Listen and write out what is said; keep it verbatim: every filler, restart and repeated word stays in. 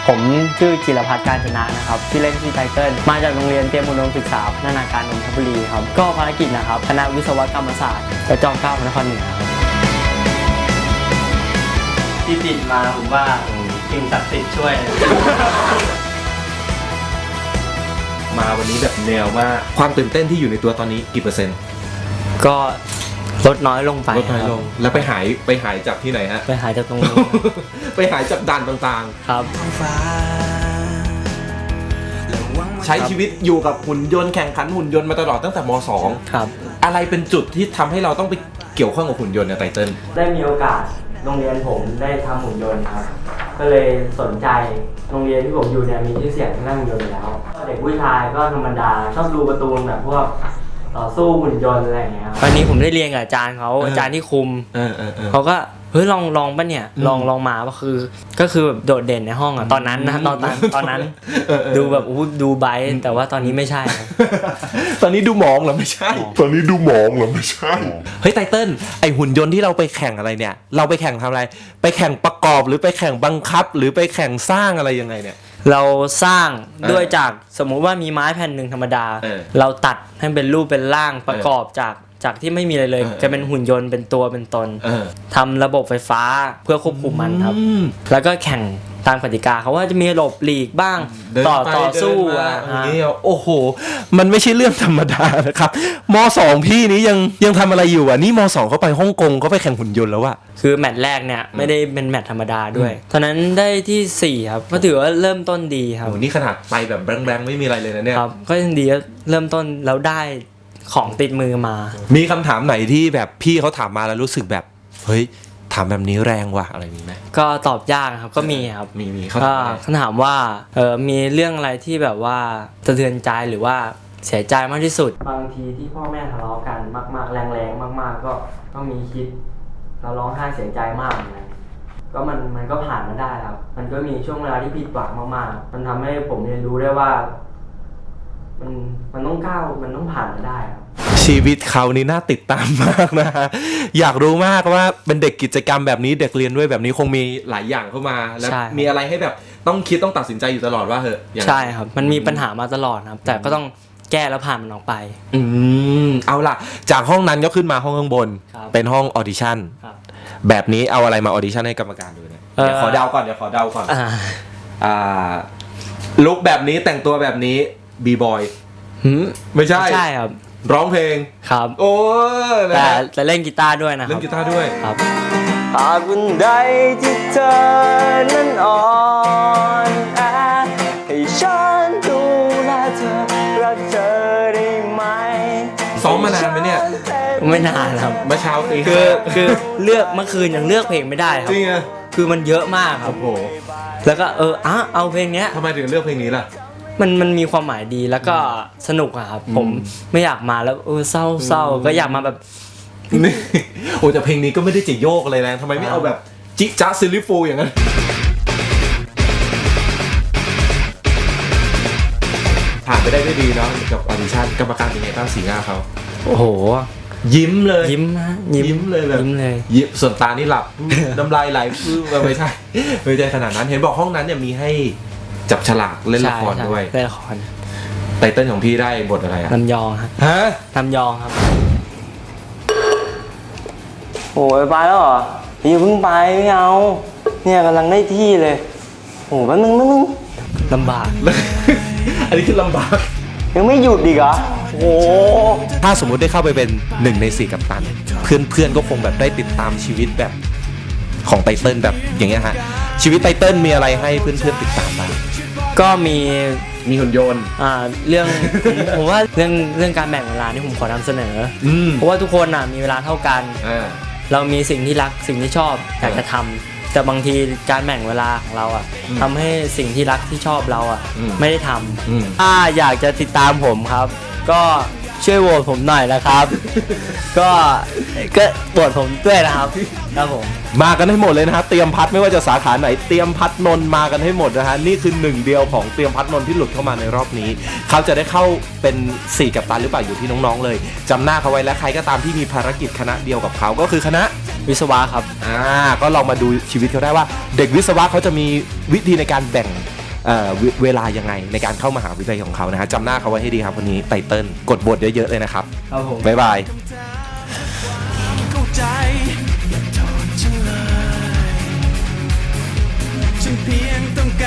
ผมชื่อจิรพัฒน์การชนะนะครับที่เล่นที่ไทเทิลมาจากโรงเรียนเตรียมอุดมศึกษาพัฒนาการนนทบุรีครับก็ภารกิจนะครับคณะวิศวกรรมศาสตร์กระจอมเกล้าพระนครเหนือครับที่ติดมาผมว่าสิ่งศักดิ์สิทธิ์ช่วยมาวันนี้แบบแนวมากความตื่นเต้นที่อยู่ในตัวตอนนี้กี่เปอร์เซ็นต์ก็ลดน้อยลงไปลดน้อยลงแล้วไปหายไปหายจากที่ไหนฮะไปหายจากตรงนี้ไปหายจากด่านต่างๆครับใช้ชีวิตอยู่กับหุ่นยนต์แข่งขันหุ่นยนต์มาตลอดตั้งแต่ม สองครับอะไรเป็นจุดที่ทำให้เราต้องไปเกี่ยวข้องกับหุ่นยนต์ในไตเติ้ลได้มีโอกาสโรงเรียนผมได้ทำหุ่นยนต์ครับก็เลยสนใจโรงเรียนที่ผมอยู่เนี่ยมีชื่อเสียงทางด้านหุ่นยนต์อยู่แล้วเด็กผู้ชายก็ธรรมดาชอบดูการ์ตูนแบบพวกต่อสู้หุ่นยนต์อะไรอย่างเงี้ยตอนนี้ผมได้เรียนกับอาจารย์เขาอาจารย์ที่คุมเขาก็เฮ้ยลองลองป่ะเนี่ยลองลองมาก็คือก็คือแบบโดดเด่นในห้องอ่ะตอนนั้นนะตอนนั้นตอนนั้นดูแบบอู้ดูไบท์แต่ว่าตอนนี้ไม่ใช่ตอนนี้ดูหมองเหรอไม่ใช่ตอนนี้ดูหมองเหรอไม่ใช่เฮ้ยไตเติ้ลไอหุ่นยนต์ที่เราไปแข่งอะไรเนี่ยเราไปแข่งทำอะไรไปแข่งประกอบหรือไปแข่งบังคับหรือไปแข่งสร้างอะไรยังไงเนี่ยเราสร้างด้วยจากสมมุติว่ามีไม้แผ่นหนึ่งธรรมดาเราตัดให้เป็นรูปเป็นร่างประกอบจากจากที่ไม่มีอะไรเลยจะเป็นหุ่นยนต์เป็นตัวเป็นตนทำระบบไฟฟ้าเพื่อควบคุมมันครับแล้วก็แข่งตามกติกาเขาว่าจะมีหลบหลีกบ้างต่อต่อสู้อ่ะโอ้โหมันไม่ใช่เรื่องธรรมดานะครับม.สอง พี่นี้ยังยังทำอะไรอยู่อ่ะนี่ม.สอง เขาไปฮ่องกงเขาไปแข่งหุ่นยนต์แล้วอ่ะคือแมตช์แรกเนี่ยไม่ได้เป็นแมตช์ธรรมดาด้วยตอนนั้นได้ที่สี่ครับก็ถือว่าเริ่มต้นดีครับโอ้นี่ขนาดไปแบบแบงๆไม่มีอะไรเลยนะเนี่ยครับก็ยังดีเริ่มต้นแล้วได้ของติดมือมามีคำถามไหนที่แบบพี่เขาถามมาแล้วรู้สึกแบบเฮ้ยถามแบบนี้แรงว่ะอะไรมีไหมก็ตอบยากครับก็มีครับมีมีเขาถามว่าเออมีเรื่องอะไรที่แบบว่าสะเทือนใจหรือว่าเสียใจมากที่สุดบางทีที่พ่อแม่ทะเลาะกันมากๆแรงๆมากๆก็ก็มีคิดเราร้องไห้เสียใจมากเหมือนกันก็มันมันก็ผ่านมาได้ครับมันก็มีช่วงเวลาที่ผิดหวังมากๆมันทำให้ผมเรียนรู้ได้ว่ามันมันต้องก้าวมันต้องผ่านมาได้ครับชีวิตเขานี่น่าติดตามมากนะอยากรู้มากว่าเป็นเด็กกิจกรรมแบบนี้เด็กเรียนด้วยแบบนี้คงมีหลายอย่างเข้ามาแล้วมีอะไรให้แบบต้องคิดต้องตัดสินใจอยู่ตลอดว่าเหอะใช่ครับมันมีปัญหามาตลอดครับแต่ก็ต้องแก้แล้วผ่านมันออกไปอืมเอาล่ะจากห้องนั้นก็ขึ้นมาห้องข้างบนเป็นห้องออดิชั่นแบบนี้เอาอะไรมาออดิชั่นให้กรรมการดูเนี่ยเดี๋ยวขอเดาก่อนเดี๋ยวขอเดาก่อนอ่าลุคแบบนี้แต่งตัวแบบนี้บีบอยไม่ใช่ใช่ครับร้องเพลงครับโอ้แต่จะเล่นกีตาร์ด้วยนะครับเล่นกีตาร์ด้วยครับหากวันใดที่เธอนั้นอ่อนแอให้ฉันดูแลเธอรักเธอได้ไหมซ้อมมานานไหมเนี่ยไม่นานครับเมื่อเช้าตีคือคือเลือกเมื่อคืนยังเลือกเพลงไม่ได้ครับจริงอ่ะคือมันเยอะมากครับโอ้โหแล้วก็เอออ่ะเอาเพลงเนี้ยทำไมถึงเลือกเพลงนี้ล่ะมันมันมีความหมายดีแล้วก็สนุกอะครับผมไม่อยากมาแล้วเออเศร้าเศร้าก็อยากมาแบบนี่โอ้แต่เพลงนี้ก็ไม่ได้จะโยกอะไรนะทำไมไม่เอาแบบจิจ๊ะซิลิฟูอย่างนั้นผ่านไปได้ด้วยดีเนาะกับออดิชั่นกรรมการเป็นไงบ้างสีหน้าเขาโอ้โหยิ้มเลยยิ้มนะยิ้มเลยแบบยิ้มเลยยิ้มส่วนตานี่หลับน้ำลายไหลฟื้นไม่ใช่ไม่ใช่ขนาดนั้นเห็นบอกห้องนั้นเนี่ยมีให้จับฉลากเล่นละครด้วยเล่นละครไตเติ้ลของพี่ได้บทอะไรอ่ะลำยองครับฮะลำยองครับโอ้ยไปแล้วเหรอพี่เพิ่งไปไม่เอาเนี่ยกำลังได้ที่เลยโอ้แป๊บนึงแป๊บนึงลำบากอันนี้คือลำบากยังไม่หยุดอีกเหรอโอ้ถ้าสมมุติได้เข้าไปเป็นหนึ่งในสี่กัปตันเพื่อนเพื่อนก็คงแบบได้ติดตามชีวิตแบบของไตเติ้ลแบบอย่างเงี้ยฮะชีวิตไตเติ้ลมีอะไรให้เพื่อนเพื่อนติดตามบ้างก็มีมีหุ่นยนต์อ่าเรื่อง ผม, ผมว่าเรื่องเรื่องการแบ่งเวลานี่ผมขอนำเสนอเพราะว่าทุกคนอ่ะมีเวลาเท่ากันเรามีสิ่งที่รักสิ่งที่ชอบอยากจะทำแต่บางทีการแบ่งเวลาของเราอ่ะทำให้สิ่งที่รักที่ชอบเราอ่ะไม่ได้ทำถ้าอยากจะติดตามผมครับก็ช่วยโหวตผมหน่อยนะครับ ก็ก็โหวตผมด้วยนะครับครับผมมากันให้หมดเลยนะฮะเตรียมพัดไม่ว่าจะสาขาไหนเตรียมพัดนนมากันให้หมดนะฮะนี่คือหนึ่งเดียวของเตรียมพัดนนที่หลุดเข้ามาในรอบนี้เขาจะได้เข้าเป็นสี่กัปตันหรือเปล่าอยู่ที่น้องๆเลยจำหน้าเขาไว้และใครก็ตามที่มีภารกิจคณะเดียวกับเขาก็คือคณะวิศวะครับอ่าก็ลองมาดูชีวิตเขาได้ว่าเด็กวิศวะเขาจะมีวิธีในการแบ่งเอ่อเวเวลายังไงในการเข้ามหาวิทยาลัยของเขานะฮะจำหน้าเขาไว้ให้ดีครับวันนี้ไตเติ้ลกดบทเยอะๆเลยนะครับครับผมบ๊ายบายเข้าใจอย่าโทษฉันเลยฉันเพียงต้องการ